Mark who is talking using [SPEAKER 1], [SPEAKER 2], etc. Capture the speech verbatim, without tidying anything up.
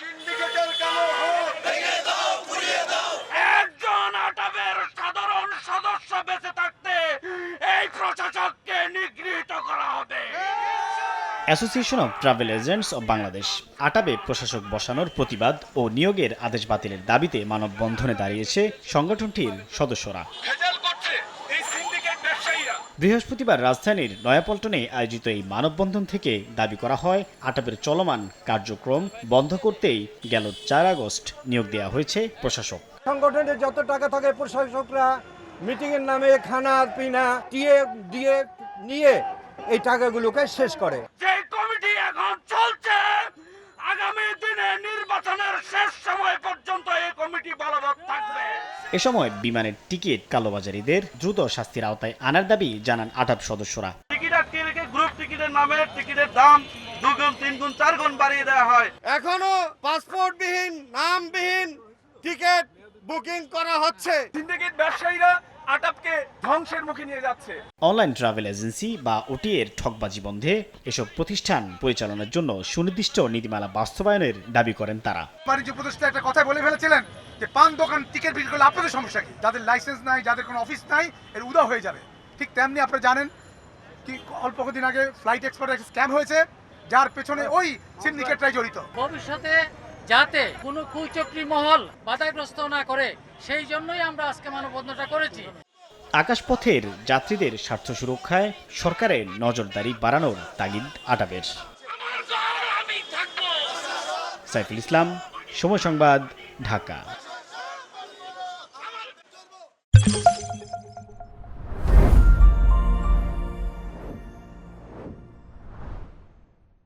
[SPEAKER 1] সিন্ডিকেটের কালো হাত ভেঙে দাও, গুঁড়িয়ে দাও। একজন আটাবের সাধারণ সদস্য বেঁচে থাকতে এই প্রশাসককে নিগৃহীত করা হবে।
[SPEAKER 2] Association of travel agents of Bangladesh আটাবে প্রশাসক বসানোর প্রতিবাদ ও নিয়োগের আদেশ বাতিলের দাবিতে মানববন্ধনে দাঁড়িয়েছে সংগঠনটির সদস্যরা। বৃহস্পতিবার রাজধানীর নয়াপল্টনে আয়োজিত এই মানববন্ধন থেকে দাবি করা হয় আটাবের চলমান কার্যক্রম বন্ধ করতেই গেল চার আগস্ট নিয়োগ দেওয়া হয়েছে প্রশাসক।
[SPEAKER 3] সংগঠনের যত টাকা থাকে প্রশাসকরা মিটিংয়ের নামে খানা পিনা টিএ দিয়ে নিয়ে এই টাকাগুলোকে শেষ করে।
[SPEAKER 1] যে কমিটি এখন চলছে আগামী দিনে নির্বাচনের শেষ সময় পর্যন্ত এই কমিটি বলবৎ থাকবে।
[SPEAKER 2] এ সময় বিমানের টিকিট কালোবাজারিদের দ্রুত শাস্তির আওতায় আনার দাবি জানান আটাব সদস্যরা।
[SPEAKER 1] টিকিট আটকে রেখে গ্রুপ টিকিটের নামে টিকিটের দাম দুগুণ তিন গুণ চার গুণ বাড়িয়ে দেওয়া হয়।
[SPEAKER 3] এখনো পাসপোর্টবিহীন নামবিহীন টিকিট বুকিং করা হচ্ছে।
[SPEAKER 1] সিন্ডিকেট ব্যবসায়ীরা আটাবকে ধ্বংসের মুখে নিয়ে যাচ্ছে।
[SPEAKER 2] অনলাইন ট্রাভেল এজেন্সি বা ওটি এর ঠকবাজি বন্ধে এসব প্রতিষ্ঠান পরিচালনার জন্য সুনির্দিষ্ট নীতিমালা বাস্তবায়নের দাবি করেন তারা।
[SPEAKER 4] বাণিজ্য উপদেষ্টা একটা কথা বলে ফেলেছিলেন যে পান দোকান টিকিট বিক্রি করলে আপনাদের সমস্যা কি? যাদের লাইসেন্স নাই, যাদের কোনো অফিস নাই, এর উদা হয়ে যাবে। ঠিক তেমনি আপনারা জানেন কি অল্প কদিন আগে ফ্লাইট এক্সপার্ট একটা স্ক্যাম হয়েছে, যার পেছনে ওই সিন্ডিকেটরাই জড়িত।
[SPEAKER 5] ভবিষ্যতে যাতে কোনো কুচক্রী মহল বাধাগ্রস্ত না করে সেই জন্যই আমরা আজকে মানববন্ধনটা করেছি।
[SPEAKER 2] আকাশপথের যাত্রীদের স্বার্থ সুরক্ষায় সরকারের নজরদারি বাড়ানোর তাগিদ আটাবের। সাইফুল ইসলাম, সময় সংবাদ, ঢাকা।